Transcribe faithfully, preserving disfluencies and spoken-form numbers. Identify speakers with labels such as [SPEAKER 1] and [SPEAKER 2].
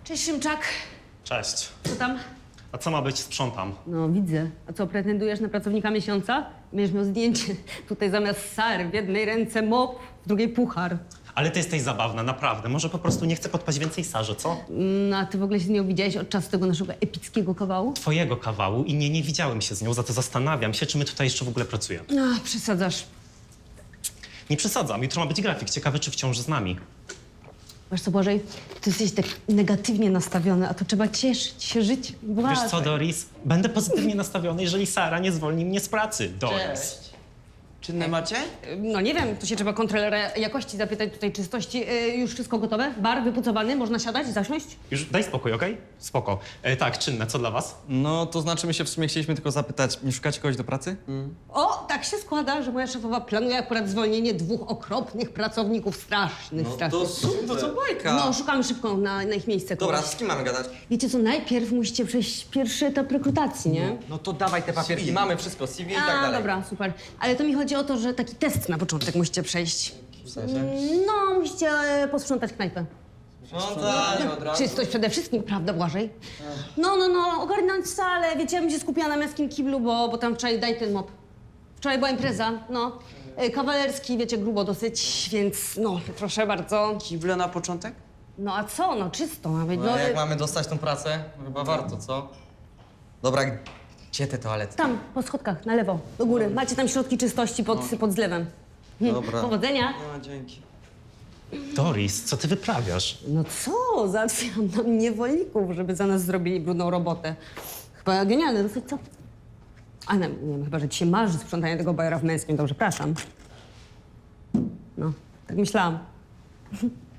[SPEAKER 1] Cześć, Szymczak.
[SPEAKER 2] Cześć.
[SPEAKER 1] Co tam?
[SPEAKER 2] A co ma być? Sprzątam.
[SPEAKER 1] No, widzę. A co, pretendujesz na pracownika miesiąca? Będziesz miał zdjęcie. Tutaj zamiast Sary w jednej ręce mop, w drugiej puchar.
[SPEAKER 2] Ale ty jesteś zabawna, naprawdę. Może po prostu nie chcę podpaść więcej Sarze, co?
[SPEAKER 1] No, a ty w ogóle się z nią widziałeś od czasu tego naszego epickiego kawału?
[SPEAKER 2] Twojego kawału i nie, nie widziałem się z nią, za to zastanawiam się, czy my tutaj jeszcze w ogóle pracujemy.
[SPEAKER 1] No, przesadzasz.
[SPEAKER 2] Nie przesadzam, jutro ma być grafik. Ciekawe, czy wciąż z nami.
[SPEAKER 1] Wiesz co, Błażej, ty jesteś tak negatywnie nastawiony, a to trzeba cieszyć się życiem.
[SPEAKER 2] Wiesz co, Doris? Będę pozytywnie nastawiony, jeżeli Sara nie zwolni mnie z pracy. Doris.
[SPEAKER 3] Czynne macie?
[SPEAKER 1] No nie wiem, to się trzeba kontrolera jakości zapytać, tutaj czystości. Yy, już wszystko gotowe? Bar wypucowany? Można siadać, zasiąść?
[SPEAKER 2] Już daj spokój, okej? Spoko. E, tak, czynne, co dla was?
[SPEAKER 4] No, to znaczy my się w sumie chcieliśmy tylko zapytać, nie szukacie kogoś do pracy?
[SPEAKER 1] O, tak się składa, że moja szefowa planuje akurat zwolnienie dwóch okropnych pracowników, strasznych, strasznych.
[SPEAKER 3] super. To co bajka?
[SPEAKER 1] No, szukamy szybko na, na ich miejsce
[SPEAKER 3] Dobra,
[SPEAKER 1] kogoś.
[SPEAKER 3] z kim mamy gadać?
[SPEAKER 1] Wiecie co, najpierw musicie przejść pierwszy etap rekrutacji, nie?
[SPEAKER 4] No to dawaj te papierki,
[SPEAKER 3] C V.
[SPEAKER 4] mamy wszystko, C V i tak
[SPEAKER 1] A,
[SPEAKER 4] dalej.
[SPEAKER 1] dobra, super. Ale to mi chodzi o to, że taki test na początek musicie przejść.
[SPEAKER 3] W sensie?
[SPEAKER 1] No, musicie e, posprzątać knajpę.
[SPEAKER 3] No tak, od razu.
[SPEAKER 1] Czystość przede wszystkim, prawda, Błażej? No, no, no, ogarnąć salę. Wiecie, ja bym się skupiła na męskim kiblu, bo, bo tam wczoraj daj ten mop. Wczoraj była impreza, no. E, Kawalerski, wiecie, grubo dosyć, więc no, proszę bardzo.
[SPEAKER 3] Kible na początek?
[SPEAKER 1] No a co, no czysto ma być.
[SPEAKER 4] No,
[SPEAKER 1] No,
[SPEAKER 4] jak
[SPEAKER 1] e,
[SPEAKER 4] mamy dostać tą pracę, chyba warto, co? Dobra, gdzie te toalety?
[SPEAKER 1] tam, po schodkach, na lewo, do góry. Macie tam środki czystości pod, pod zlewem. Hm,
[SPEAKER 4] Dobra.
[SPEAKER 1] Powodzenia.
[SPEAKER 3] No, dzięki.
[SPEAKER 2] Doris, co ty wyprawiasz?
[SPEAKER 1] No co, załatwiam nam niewolników, żeby za nas zrobili brudną robotę. Chyba genialne, dosyć co? A nie, nie wiem, chyba, że ci się marzy sprzątanie tego bajera w męskim, to przepraszam. No, tak myślałam.